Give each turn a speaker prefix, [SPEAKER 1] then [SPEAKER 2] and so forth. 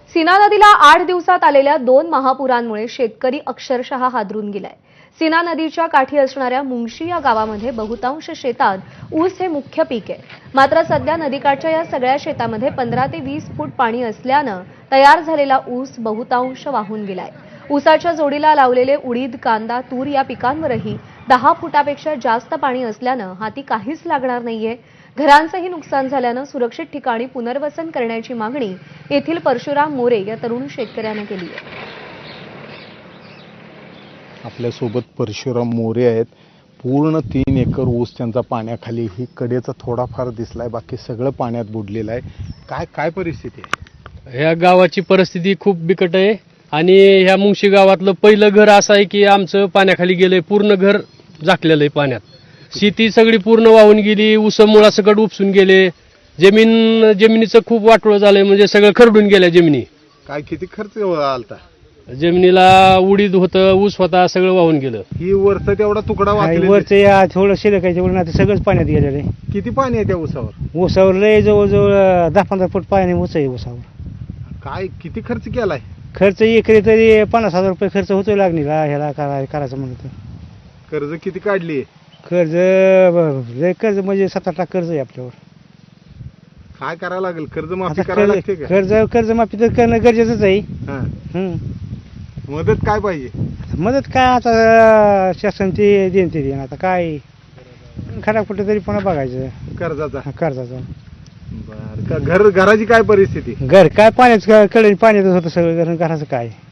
[SPEAKER 1] सीना नदीला 8 दिवसात आलेल्या 2 महापुरांमुळे शेतकरी अक्षरशः हादरून गेलाय। सीना नदीच्या काठी असणाऱ्या मुंगशी या गावामध्ये बहुतांश शेतात ऊस हे मुख्य पीक आहे। मात्र सध्या नदीकाठच्या या सगळ्या शेतामध्ये 15 ते 20 फूट पाणी असल्यानं तयार झालेला ऊस बहुतांश वाहून गेलाय। ऊसाच्या जोडीला लावलेले उडीद, कांदा, तूर या पिकांवरही 10 फुटापेक्षा जास्त पाणी असल्यानं हाती काहीच लागणार नाहीये। घरांचंही नुकसान झाल्यानं सुरक्षित ठिकाणी पुनर्वसन करण्याची मागणी येथील परशुराम मोरे या तरुण शेतकऱ्याने केली आहे।
[SPEAKER 2] आपल्या सोबत परशुराम मोरे आहेत। पूर्ण 3 एकर ऊस त्यांचा पाण्याखाली, ही कडेचा थोडाफार दिसलाय, बाकी सगळं पाण्यात बुडलेलं आहे। काय परिस्थिती आहे?
[SPEAKER 3] ह्या गावाची परिस्थिती खूप बिकट आहे आणि ह्या मुंगशी गावातलं पहिलं घर असं आहे की आमचं पाण्याखाली गेलंय, पूर्ण घर झाकलेलं आहे पाण्यात। शेती सगळी पूर्ण वाहून गेली, ऊस मुळासकट उपसून गेले, जमिनीचं खूप वाटोळं झालंय, म्हणजे सगळं खरडून गेल्या जमिनी।
[SPEAKER 2] किती खर्च आलता?
[SPEAKER 3] जमिनीला उडीद होतं, ऊस होता, सगळं वाहून गेलं।
[SPEAKER 2] ही वरचा तेवढा तुकडा
[SPEAKER 4] वरचं या थोडं शिल्लक आहे, तेवढं आता सगळंच पाण्यात गेलेलं आहे।
[SPEAKER 2] किती पाणी आहे त्या ऊसावर?
[SPEAKER 4] ऊसावर लय जवळजवळ 10-15 फूट पाणी ऊस आहे ऊसावर।
[SPEAKER 2] किती खर्च केलाय?
[SPEAKER 4] खर्च एकरी तरी 50,000 रुपये खर्च होतो लागणीला, ह्याला करायचं म्हणलं तर।
[SPEAKER 2] कर्ज किती काढली?
[SPEAKER 4] कर्ज लय कर्ज म्हणजे 7-8 लाख कर्ज आहे आपल्यावर।
[SPEAKER 2] काय करावं लागेल? कर्जमाफी
[SPEAKER 4] आता
[SPEAKER 2] करायला लागते का?
[SPEAKER 4] कर्जमाफी तर करणं गरजेचंच आहे।
[SPEAKER 2] हा. मदत काय पाहिजे?
[SPEAKER 4] मदत काय आता शासन ते देईन आता काय खरा कुठे तरी पुन्हा बघायचं कर्जाचा।
[SPEAKER 2] घराची काय परिस्थिती?
[SPEAKER 4] घर काय पाण्यात कडेने पाण्यातच होतं सगळं, घराचं काय